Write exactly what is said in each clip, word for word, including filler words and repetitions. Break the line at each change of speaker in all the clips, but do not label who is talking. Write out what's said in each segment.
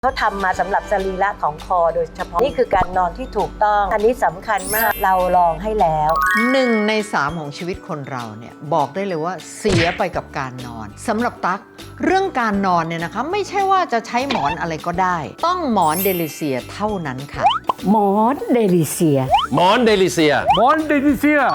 เขาทำมาสำหรับสรีระของคอโดยเฉพาะนี่คือการนอนที่ถูกต้องอันนี้สำคัญมากเราลองให้แล้ว
หนึ่งในสามของชีวิตคนเราเนี่ยบอกได้เลยว่าเสียไปกับการนอนสำหรับตั๊กเรื่องการนอนเนี่ยนะคะไม่ใช่ว่าจะใช้หมอนอะไรก็ได้ต้องหมอนเดลิเซียเท่านั้นค่ะ
หมอนเดลิเซีย
หมอนเดลิเซีย
หมอนเดลิเซีย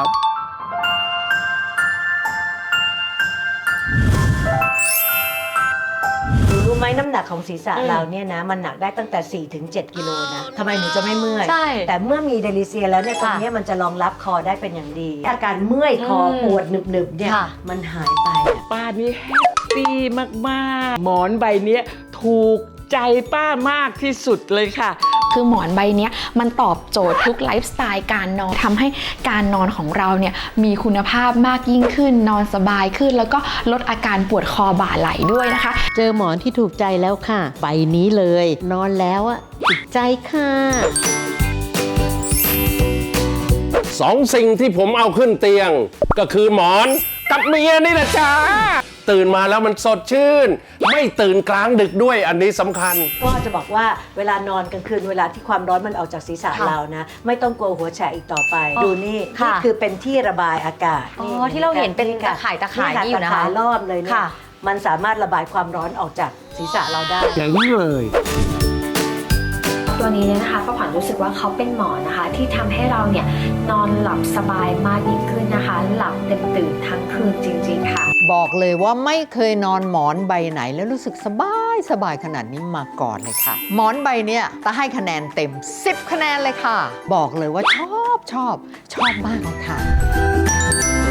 รู้ไหมน้ำหนักของศีรษะเราเนี่ยนะมันหนักได้ตั้งแต่ สี่ถึงเจ็ด กิโลนะทำไมหนูจะไม่เมื่อยแต่เมื่อมีเดลิเซียแล้วเนี่ยตรงนี้มันจะรองรับคอได้เป็นอย่างดีอาการเมื่อยคอปวดหนึบๆเนี่ยมันหายไป
ป้านี่แฮปปี้มากๆหมอนใบนี้ถูกใจป้ามากที่สุดเลยค่ะ
คือหมอนใบนี้มันตอบโจทย์ทุกไลฟ์สไตล์การนอนทำให้การนอนของเราเนี่ยมีคุณภาพมากยิ่งขึ้นนอนสบายขึ้นแล้วก็ลดอาการปวดคอบ่าไหล่ด้วยนะคะ
เจอหมอนที่ถูกใจแล้วค่ะใบนี้เลยนอนแล้วอ่ะติดใจค่ะ
สองสิ่งที่ผมเอาขึ้นเตียงก็คือหมอนกับเมียนี่แหละจ้าตื่นมาแล้วมันสดชื่นไม่ตื่นกลางดึกด้วยอันนี้สำคัญ
ก็จะบอกว่าเวลานอนกลางคืนเวลาที่ความร้อนมันออกจากศีรษะเรานะไม่ต้องกลัวหัวแฉะอีกต่อไปดูนี่นี่คือเป็นที่ระบายอากาศ
อ๋อที่เราเห็นเป็นตะข่ายตะข่ายนี่อยู่นะคะ
ตะข่ายรอบเลยเนี่ยมันสามารถระบายความร้อนออกจากศีรษะเราได้
อย่างนี้เลย
ตัวนี้เนี่ยนะคะป้าขวัญรู้สึกว่าเขาเป็นหมอนนะคะที่ทำให้เราเนี่ยนอนหลับสบายมากยิ่งขึ้นนะคะหลับเต็มตื่นทั้งคืนจริงๆค่ะ
บอกเลยว่าไม่เคยนอนหมอนใบไหนแล้วรู้สึกสบายสบายขนาดนี้มาก่อนเลยค่ะหมอนใบเนี้ยจะให้คะแนนเต็มสิบคะแนนเลยค่ะบอกเลยว่าชอบชอบชอบมากเลยค่ะ